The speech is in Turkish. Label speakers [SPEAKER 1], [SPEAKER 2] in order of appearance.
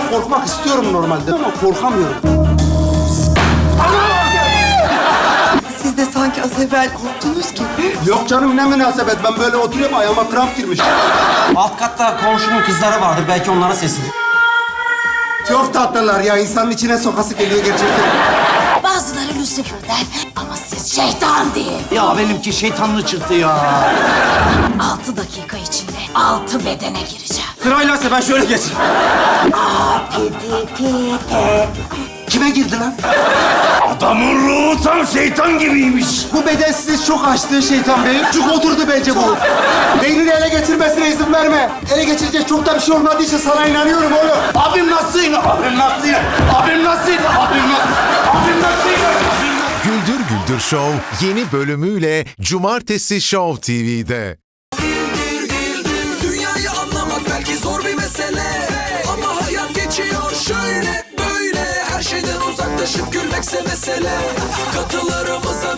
[SPEAKER 1] Ben korkmak istiyorum normalde ama korkamıyorum.
[SPEAKER 2] Siz de sanki az evvel korktunuz gibi.
[SPEAKER 1] Yok canım, ne münasebet. Ben böyle oturuyorum, ayağıma kramp girmiş.
[SPEAKER 3] Alt katta komşunun kızları vardır. Belki onlara seslenir.
[SPEAKER 1] Çok tatlılar ya. İnsanın içine sokası geliyor gerçekten.
[SPEAKER 4] Bazıları Lucifer'den ama siz şeytan diye.
[SPEAKER 3] Ya benimki şeytanlı çıktı ya.
[SPEAKER 4] 6 dakika içinde 6 bedene gireceğim.
[SPEAKER 3] Sırayla ben şöyle geçeyim. Kime girdi lan?
[SPEAKER 5] Adamın ruhu tam şeytan gibiymiş.
[SPEAKER 1] Bu beden sizi çok açtı şeytan bey. Çok oturdu bence bu. Beynini ele geçirmesine izin verme. Ele geçirecek çok da bir şey olmadığı için sana inanıyorum oğlum.
[SPEAKER 5] Abim nasıl? Abim nasıl? Abim nasıl? Abim nasıl? Abim nasıl?
[SPEAKER 6] Güldür Güldür Show yeni bölümüyle Cumartesi Show TV'de.
[SPEAKER 7] Dünyayı anlamak belki zor bir mesele, ama hayat geçiyor şöyle böyle. Her şeyden uzaklaşıp gülmekse mesele. Katılarımıza